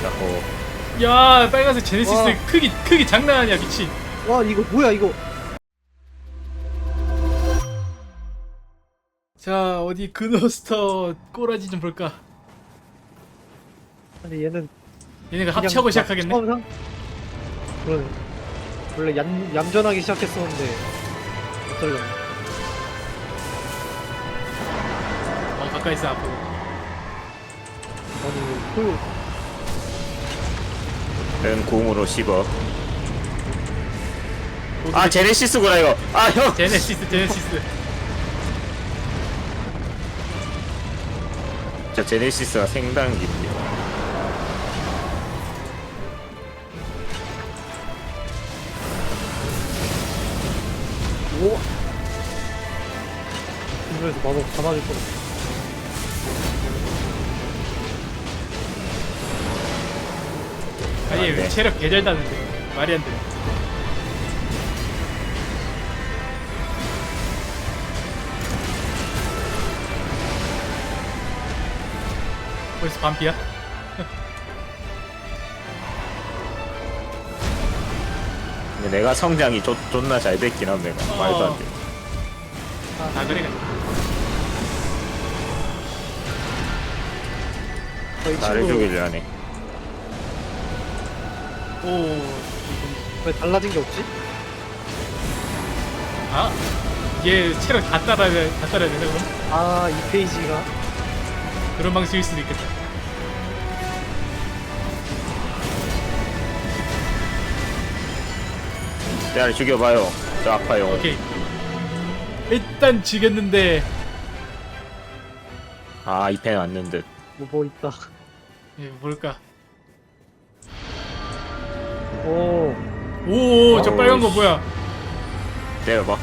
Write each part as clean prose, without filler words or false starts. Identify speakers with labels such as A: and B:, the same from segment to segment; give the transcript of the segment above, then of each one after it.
A: 자꾸.
B: 야 빨간색 제네시스
C: 와.
B: 크기 장난 아니야 미친.
C: 와 이거 뭐야 이거.
B: 자 어디 그노스터 꼬라지 좀 볼까.
C: 근데 얘는
B: 얘네가
C: 그냥
B: 합체하고
C: 막
B: 시작하겠네.
C: 처음 그러네. 원래 얌전하게 시작했었는데 어쩌려나.
B: 가까이 있어 앞으로.
C: 아니 소유.
A: 는 궁으로 씹어. 아 제네시스구나 이거. 아 형.
B: 제네시스.
A: 저 제네시스가 생단기인데.
C: 오. 이거에서 마법 다 맞을 뻔.
B: 아니 왜
A: 네.
B: 체력 개잘다는데 말이 안 돼. 벌써 반피야?
A: 근데 내가 성장이 존나 잘 됐긴 함 내가. 말도 안 돼.
B: 다 그래.
A: 나를 죽이려 하네.
B: 오.
C: 왜 달라진 게 없지?
B: 아? 얘 체력 다 따라야 되네 그럼?
C: 아 이 페이지가
B: 그런 방식일 수도 있겠다.
A: 나를 죽여봐요. 저 아파요.
B: 오케이. 일단 지겠는데.
A: 아 이 펜 왔는 듯.
C: 뭐 있다.
B: 예, 뭘까?
C: 오.
B: 오, 저
A: 어우,
B: 빨간 거
A: 씨.
B: 뭐야?
A: 내려봐.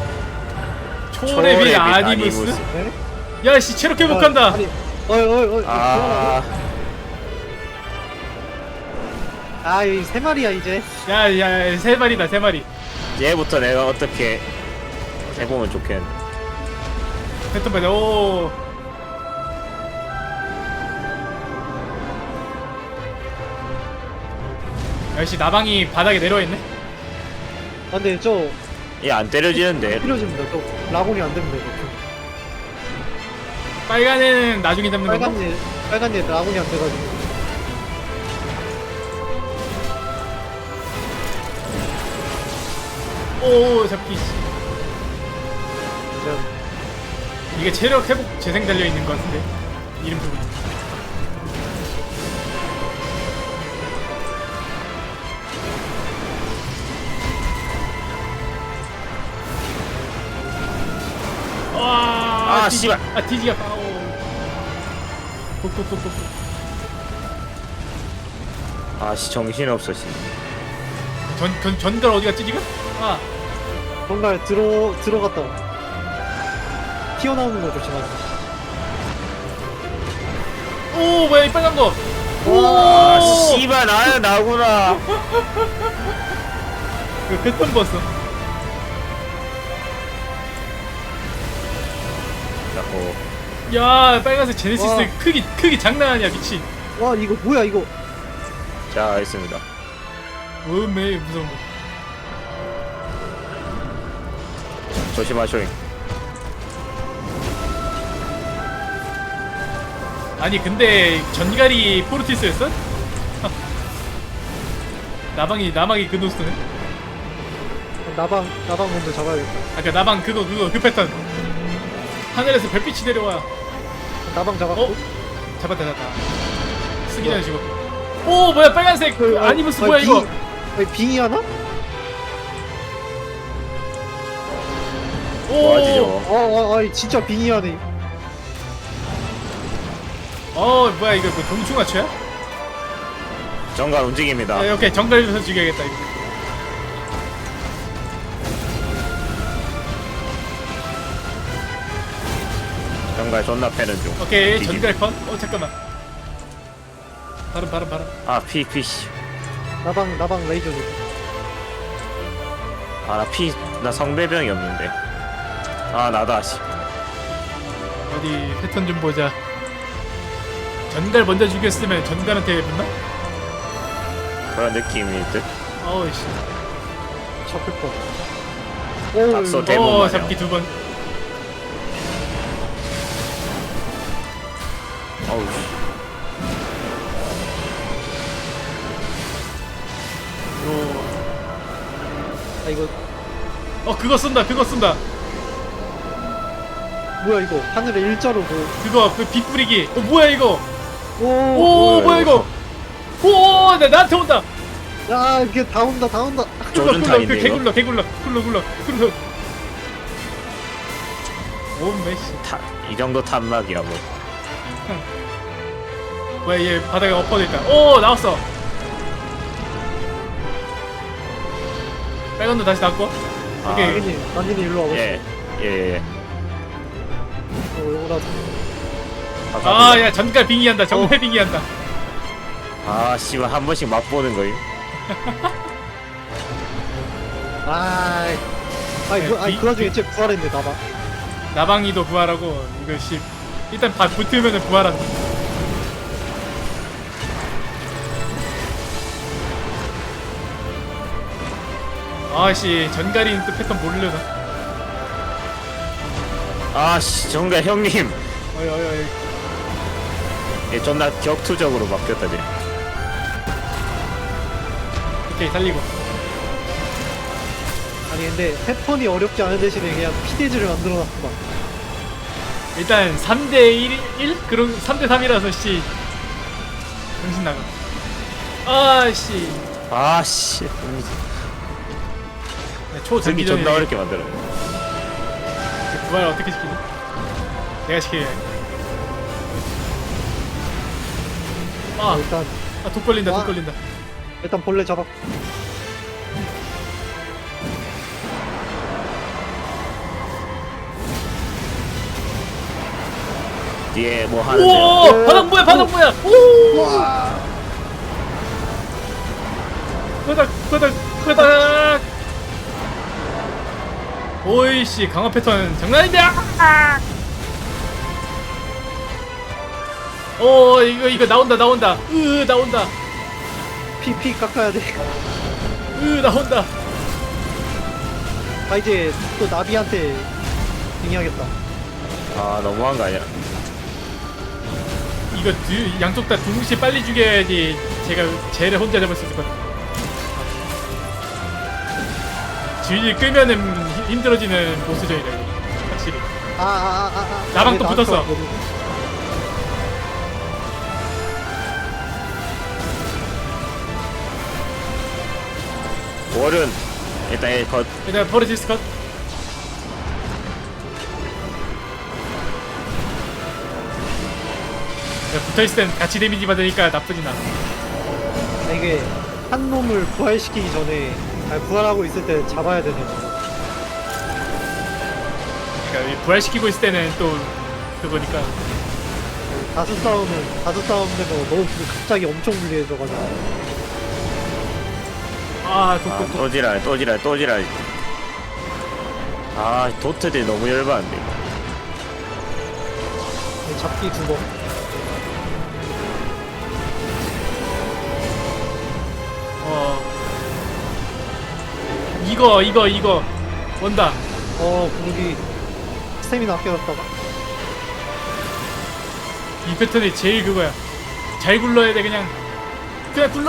B: 초레빗 아니무스?
C: 네?
B: 야, 씨 체력 회복한다.
C: 아니, 어이.
A: 아
C: 이 세 마리야 이제.
B: 야, 세 마리다, 세 마리.
A: 얘부터 내가 어떻게 해보면 좋겠는데.
B: 패턴 받아. 오. 역시 나방이 바닥에 내려와 있네.
C: 아 근데 저
A: 얘 안 때려지는데.
C: 필요집니다. 저 라곤이 안 됩니다.
B: 빨간 애는 나중에 잡는 건가?
C: 빨간 애 라곤이 안 돼가지고.
B: 오, 잡기.
C: 진짜
B: 이게 체력 회복 재생 달려 있는 것 같은데. 이름 부분. 와,
A: 씨발.
B: 뒤지가 파오. 톡톡톡톡.
A: 아씨 정신없어 씨.
B: 전갈 어디 갔지 지금? 아,
C: 정말 들어갔다. 튀어나오는 거 조심하세요.
B: 오, 뭐야 이 빨간 거.
A: 아
B: 오,
A: 씨발 나구나.
B: 그 패턴 봤어.
A: 자꾸.
B: 야, 빨간색 제네시스
C: 와.
B: 크기 장난 아니야 미친.
C: 와 이거 뭐야 이거.
A: 자 알겠습니다.
B: 매일 무서운 거.
A: 조심하쇼잉.
B: 아니 근데 전갈이 포르티스였어? 나방이 그 노스네.
C: 나방 먼저 잡아야겠다.
B: 아까 나방 그 패턴. 하늘에서 별빛이 내려와.
C: 나방 잡았고.
B: 어? 잡았다. 쓰기 전에 죽어. 오, 뭐야 빨간색 아니무스 뭐야 이거?
C: 빙이 하나?
A: 뭐하지
B: 오,
A: 저거.
C: 진짜 빙이 하네.
B: 뭐야 이거 뭐 동충하초야?
A: 정갈 움직입니다.
B: 오케이 정갈에서 죽여야겠다 이거.
A: 정갈 존나 패는 중.
B: 오케이
A: 뒤집.
B: 전갈 컷. 잠깐만. 바람.
A: 아 피.
C: 나방 레이저도.
A: 나 성배병이 없는데. 아 나다 씨.
B: 어디 패턴 좀 보자. 전갈 먼저 죽였으면 전갈한테 붙나?
A: 그런 느낌일 듯.
B: 어우 씨.
C: 잡힐 뻔. 오,
A: 앞서
C: 이거-
A: 대본 마냥.
B: 잡기 2번.
A: 어우.
C: 아 이거
B: 그거 쓴다.
C: 뭐야 이거 하늘에 일자로
B: 그거 그 빛 뿌리기. 뭐야 이거?
C: 오.
B: 오 뭐야 이거? 오 나한테 온다.
C: 야 이게 다 온다 다 온다.
A: 조준
B: 그
A: 타인데 이거.
B: 개굴러. 오 메시.
A: 이 정도 탐막이야 뭐.
B: 뭐야 얘 바닥에 엎어져 있다. 오 나왔어. 빨간 눈 다시 닫고.
A: 아,
B: 오케이.
C: 난진이 일로 와봐.
A: 예.
C: 요거라도.
B: 아야 전갈 빙의한다. 정말 빙의한다.
A: 아 씨발 한 번씩 맛보는 거임.
C: 아이 그 와중에 쟤 부활했네 나봐.
B: 나방이도 부활하고 이거 씨 일단 붙으면은 부활한다. 아씨 전갈인 또 패턴 모르려나.
A: 아씨 정말 형님.
B: 어이.
A: 얘 존나 격투적으로 바뀌었다 쟤.
B: 오케이 살리고.
C: 아니 근데 패턴이 어렵지 않은 대신에 그냥 피데지를 만들어놨구만.
B: 일단 3대 1? 그런 3대 3이라서 씨 정신 나가. 아씨
A: 아씨.
B: 초
A: 등이
B: 전기 전에
A: 존나 어렵게 만들어.
B: 부활 어떻게 시키지? 내가 시켜야 해.
C: 일단
B: 독 걸린다.
C: 와.
B: 독 걸린다.
C: 일단 벌레 잡아.
A: 뒤에 뭐 하는데요?
B: 오 바닥 뭐야 오
C: 와.
B: 바닥 오이씨 강화 패턴 장난인데. 오 이거 나온다 나온다
C: 피 깎아야 돼.
B: 나온다.
C: 아 이제 또 나비한테 빙의하겠다.
A: 아 너무한 거 아니야?
B: 이거 양쪽 다 동시에 빨리 죽여야지 제가 쟤를 혼자 잡을 수 있을 것 같아. 주인이 끄면은 힘들어지는 보스전이다 이거 확실히. 나방 또 붙었어.
A: 월은 일단 얘 거,
B: 일단 포레지스 컷. 붙어있을 땐 같이 데미지 받으니까 나쁘진 않아.
C: 이게 한 놈을 부활시키기 전에 부활하고 있을 때 잡아야 되네.
B: 그러니까 부활시키고 있을 때는 또 그거니까.
C: 다수 싸움 되면 너무 갑자기 엄청 불리해져가지고.
B: 독.
A: 또 지랄. 아 도트들 너무 열받는데.
C: 잡기 2번.
B: 이거 온다.
C: 구르기 스태미나 아껴놨다가.
B: 이 패턴이 제일 그거야. 잘 굴러야 돼 그냥 굴러.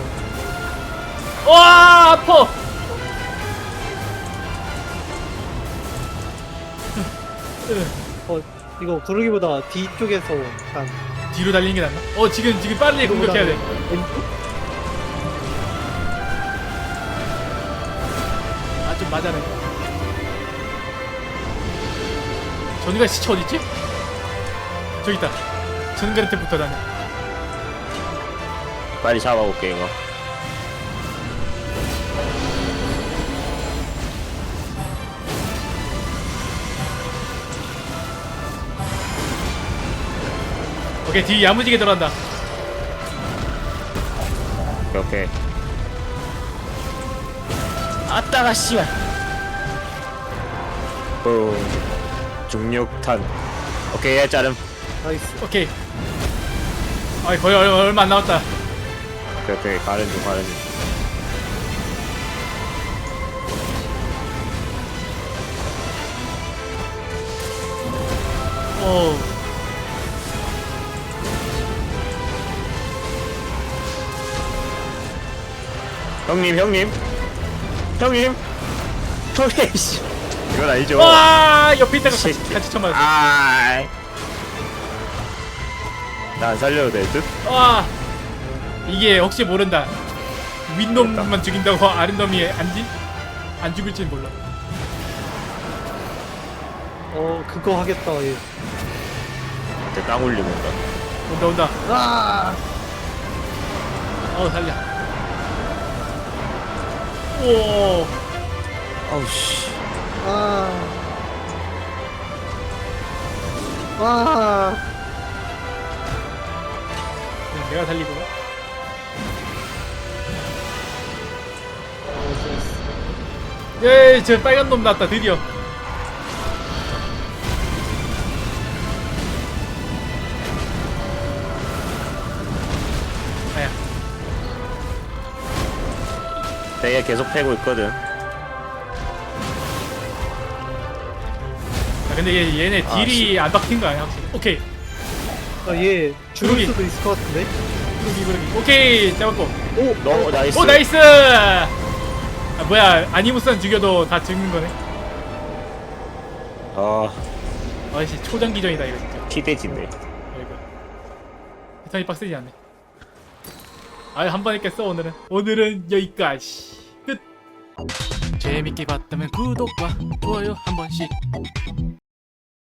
B: 와 아파.
C: 이거 구르기보다 뒤쪽에서 약간
B: 뒤로 달리는 게 낫나? 지금 빨리 공격해야 돼.
C: 왼쪽?
B: 좀 맞아라. 전이가 시체 어딨지? 저기 있다. 전갈한테 붙어 다녀.
A: 빨리 잡아볼게 이거.
B: 오케이 뒤 야무지게 들어간다.
A: 오케이. 아따가 씨발. 중력탄. 오케이 얘 자름.
C: 나이스.
B: 오케이. 거의 얼마 안 남았다.
A: 오케이 가는 중.
B: 어.
A: 형님 씨 이건 아니죠.
B: 와 옆에 있다가
A: 씨.
B: 같이 쳐맞았어.
A: 나 안 살려도 될 듯?
B: 와 이게 혹시 모른다. 윗놈만 죽인다고 아랫놈이 안 죽을지는 몰라.
C: 그거 하겠다. 얘.
A: 이제 땅 올리는가?
B: 온다.
C: 아,
B: 살려. 오.
A: 아우 씨.
C: 아, 아,
B: 내가 살리고. 예, 저 빨간 놈 났다 드디어. 아야.
A: 되게 계속 패고 있거든.
B: 근데 얘네 딜이
A: 씨.
B: 안 박힌 거 아니야 확실히. 오케이.
C: 얘 죽을
B: 그러기.
C: 수도 있을 것 같은데.
B: 그러기. 오케이 잡았고.
A: 너 나이스.
B: 오 나이스. 아 뭐야 아니무스는 죽여도 다 죽는 거네.
A: 아
B: 아이씨 초장기전이다 이거 진짜.
A: 키대진네.
B: 아이고. 패턴이 빡세지 않네. 아유 한 번 했겠어 오늘은. 오늘은 여기까지. 끝. 재밌게 봤다면 구독과 좋아요 한 번씩.